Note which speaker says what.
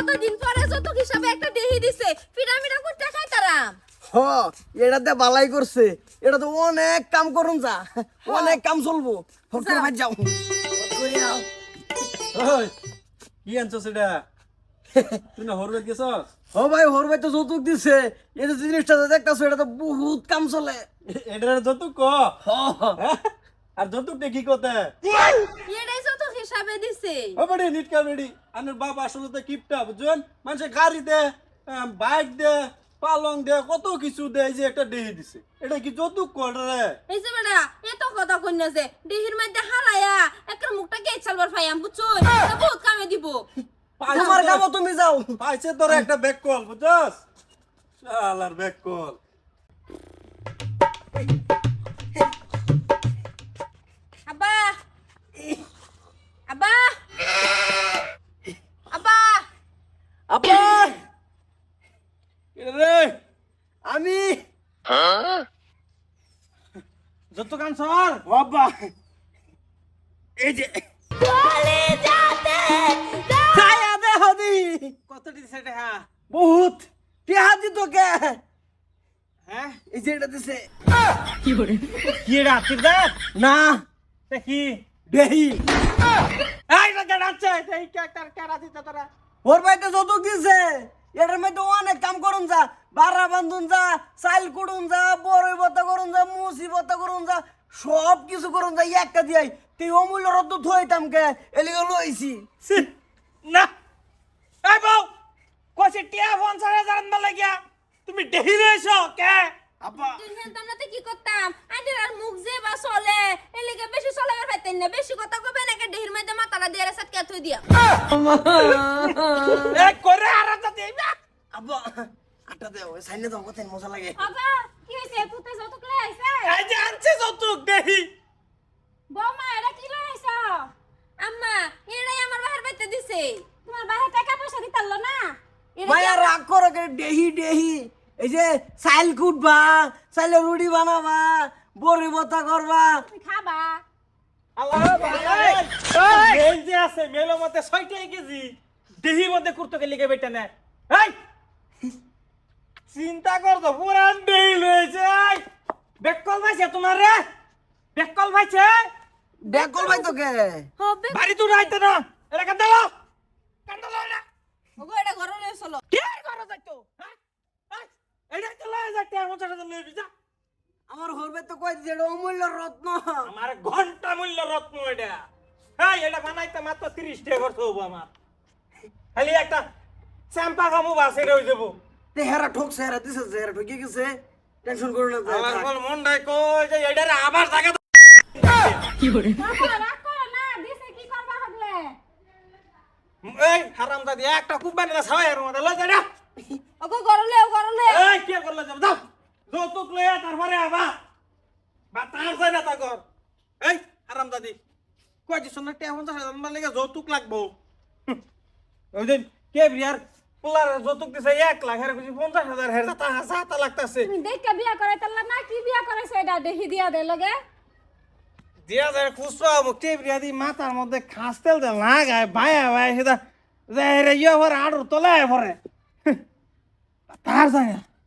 Speaker 1: কতদিন পরে যৌতুক হিসাবে একটা দেহি দিছে পিরামিডা করতে খাই তারাম
Speaker 2: হ এটাতে বালাই করছে এটা তো অনেক কাম করুন যা অনেক কাম চলবো ফকর ভাই যাও
Speaker 3: ওই কি আনছস এটা তুই না হরবে গেছস
Speaker 2: ও ভাই হোর ভাই তো যৌতুক দিছে এই যে জিনিসটা দেখতাছো এটা তো বহুত কাম চলে
Speaker 3: এটার যৌতুক ক আর যৌতুকটা কি কথা
Speaker 1: এটাই যৌতুক হিসাবে দিছে
Speaker 3: ও বড়ি নিটকা বেড়ি আনের বাপ আসলে তো কিপটা বুঝছেন মানুষে গাড়ি দে বাইক দে পালং দে কত কিছু দে এই যে একটা দেহি দিছে এটা কি যৌতুক করে রে
Speaker 1: এই যে বেটা এত কথা কইনা যে দেহির মধ্যে হারায়া একটা মুখটা কে চালবার ফাইয়াম বুঝছো বহুত কামে দিব
Speaker 2: তোমার কাম তুমি যাও
Speaker 3: পাইছে তোর একটা ব্যাক কল বুঝছস শালার ব্যাক কল
Speaker 1: আব্বা আব্বা আব্বা
Speaker 2: আপা
Speaker 3: রে
Speaker 2: আমি
Speaker 3: যৌতুক আনছর
Speaker 2: বাবা এই যে
Speaker 1: চলে যাতে
Speaker 2: ছায়া দে হদি
Speaker 3: কত দিছে এটা হ্যাঁ
Speaker 2: বহুত টিহা দিত কে
Speaker 3: হ্যাঁ
Speaker 2: এই যে এটা দিছে
Speaker 3: কি রে আতির দে
Speaker 2: না
Speaker 3: দেখি
Speaker 2: দেহি
Speaker 3: এই না গাড়াচ্ছে এই কার কার দিতে তোরা
Speaker 2: ওর ভাই তো যৌতুক দিছে এটার মধ্যে অনেক কাম করুন যা বারা বান্ধুন যা চাইল কুড়ুন যা বড়ই বত্তা করুন যা মুসি বত্তা করুন যা সব কিছু করুন যা একটা দিয়াই তুই অমূল্য রদ্দ থইতাম কে এলিগে লইছি
Speaker 3: না এই বউ কইছে টিয়া 50,000 আনবা লাগিয়া তুমি দেহি রইছো কে
Speaker 2: আপা
Speaker 1: দিন তোমরা কি করতাম আইনের আর মুখ যে বা চলে এলিগে বেশি চলাবার পাইতেন না বেশি কথা কবে নাকি দেহির মধ্যে মাথাটা দিয়ে সাথে কে থই দিয়া
Speaker 3: এই করে আর তো দেইবা
Speaker 2: আপা আটা দে ওই সাইনে দাও কত মজা লাগে
Speaker 1: আব্বা কি হইছে পুতে যৌতুক লই আইছে
Speaker 3: এই যে আনছে যৌতুক দেহি
Speaker 1: বৌমা এটা কি লই আইছো আম্মা এটাই আমার বাহির বাইতে দিছে তোমার বাহির টাকা পয়সা দিতাল না
Speaker 2: মায়া রাগ করো কে দেহি দেহি এই যে চাইল কুটবা চাইলে রুটি বানাবা বড়ি বত্তা করবা
Speaker 1: তুমি খাবা
Speaker 3: আল্লাহ মেল যে আছে মেলের মধ্যে 6টাই কেজি দেহি মধ্যে কুরতো কে লিগে বেটা না এই চিন্তা কর তো পুরান দেহি লইছে এই বেকল ভাইছে তোমার রে বেকল ভাইছে
Speaker 2: দেখল ভাই তোকে
Speaker 1: হবে
Speaker 3: বাড়ি তো রাইতে না এটা কান্দালো কান্দালো না
Speaker 1: ওগো এটা ঘরে লই চলো
Speaker 3: কে করো যাইতো হ্যাঁ এইটা তো লয়ে যাইতে আমার সাথে লয়ে যা
Speaker 2: আমার হরবে তো কই দিছে এটা অমূল্য রত্ন
Speaker 3: আমার ঘন্টা মূল্য রত্ন এটা হ্যাঁ এটা বানাইতে মাত্র 30 টাকা খরচ হবো আমার খালি একটা চ্যাম্পা খামু বাসে রয়ে যাবো
Speaker 2: তে হেরা ঠকছে হেরা দিছে যে হেরা ঠকে গেছে টেনশন করো না
Speaker 3: আমার বল মন নাই কই যে এটারে আবার জায়গা
Speaker 1: রাখো না দিছে কি করবা হগলে
Speaker 3: এই হারামজাদি একটা খুব বানিয়ে ছাই এর মধ্যে লই যা
Speaker 1: ওগো ঘরে লই
Speaker 3: এই কি করলে যাব দাও যৌতুক লইয়া তারপরে আবা বা তার যায় না তা কর এই হারামজাদি কই দিছ না টিয়া 50,000 মানে লাগা যৌতুক লাগবো ওই দিন কে বিয়ার পোলার যৌতুক দিছে 1 লাখ এর কিছু 50,000 হের তা লাগতাছে
Speaker 1: তুমি দেখকে বিয়া করাইতাল না কি বিয়া করাইছে এটা দেহি দিয়া দে লগে
Speaker 3: দিয়া যায় খুশরা মুক্তি বিয়াদি মাথার মধ্যে খাসতেল দে লাগায় ভায়া ভাই সেটা যে রে ইয়া ভরে আড়ুর তলায় ভরে তার যায় না